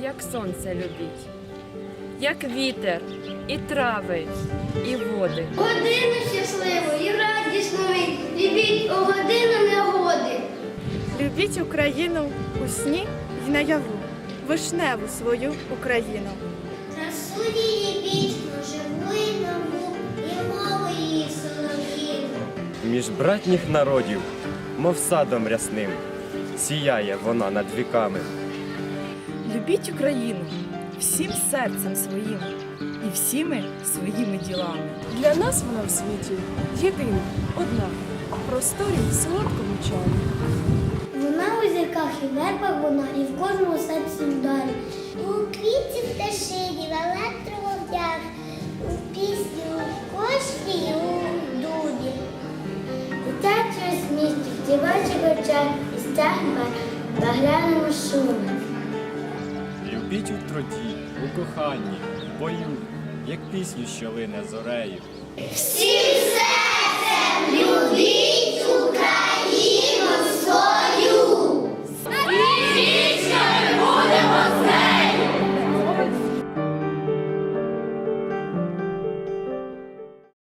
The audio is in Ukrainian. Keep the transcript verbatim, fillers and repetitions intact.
як сонце любіть, як вітер, і трави, і води. Годину щасливу і радісну, любіть у годину негоди. Любіть Україну у сні й наяву, вишневу свою Україну. Красу її вічну, живу і нову, і мову її солов'їну. Між братніх народів, мов садом рясним, сіяє вона над віками. Любіть Україну всім серцем своїм і всіми своїми ділами. Для нас вона в світі єдина, одна, в просторі й солодкому чарі. Вона у зірках і вербах вона, і в кожному серці вдарі. У квітці в пташині, в електроводях, у пісні, у кошті і у дубі. Дитячі усмішки в дівочих очах і стягне багряному шумі. Любіть у труді, у коханні, в бою, як пісню, що лине зорею. Всім серцем любіть Україну!